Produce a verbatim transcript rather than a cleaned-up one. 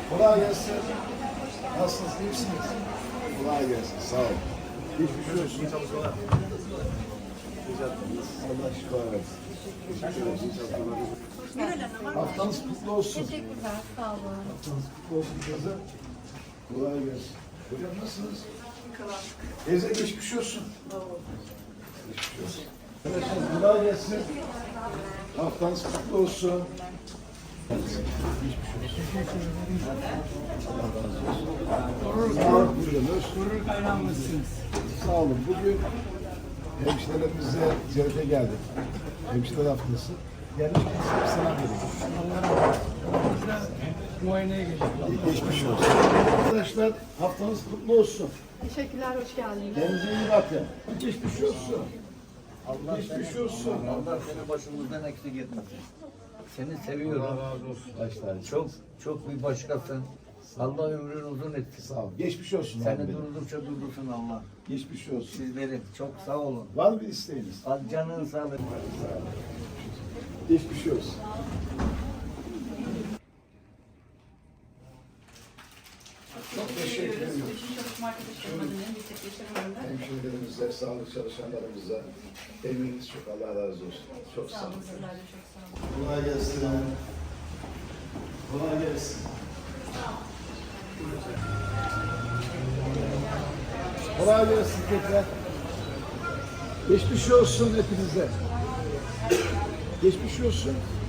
Kolay gelsin. Nasılsınız? İyi misiniz? Kolay gelsin. Sağ olun. Geçmiş olsun. Allah şifa versin. Teşekkür ederim. Haftanız kutlu olsun. Teşekkürler, sağ olun. Haftanız kutlu olsun kızım. Kolay gelsin. Hocam nasılsınız? Teyze geçmiş olsun. Geçmiş olsun. Arkadaşlar kolay gelsin. Haftanız kutlu olsun. Sağ olun. Gurur kaynağımızsınız. Sağ olun. Bugün hemşirelerimize ziyarete geldik. Hemşireler haftası. Gelmişken size bir selam vereyim. Allah razı olsun. Biz de muayeneye geldik. Geçmiş olsun. Arkadaşlar haftanız kutlu olsun. Teşekkürler, hoş geldiniz. Kendinize iyi bakın. Geçmiş olsun. Allah Geçmiş olsun. Allah seni başımızdan eksik etmesin. Seni seviyorum. Allah razı olsun. Başlar. Çok çok bir başkasın. Allah ömrünü uzun etsin. Sağ olun. Geçmiş olsun. abi Seni benim. durdukça durdursun Allah. Geçmiş olsun. Sizleri çok sağ olun. Var mı bir isteğiniz? Al canın sağlık. Geçmiş olsun. Çok teşekkür ederim. Bütün çalışma arkadaşlarımızın yüksek yaşamlarında. Hemşirelerimize, sağlık çalışanlarımıza eminiz çok. Allah razı olsun. Çok sağ olun. Sizler de çok sağ olun. Kolay gelsin. Kolay gelsin. Kolay gelsin tekrar. Geçmiş olsun hepinize. Geçmiş olsun.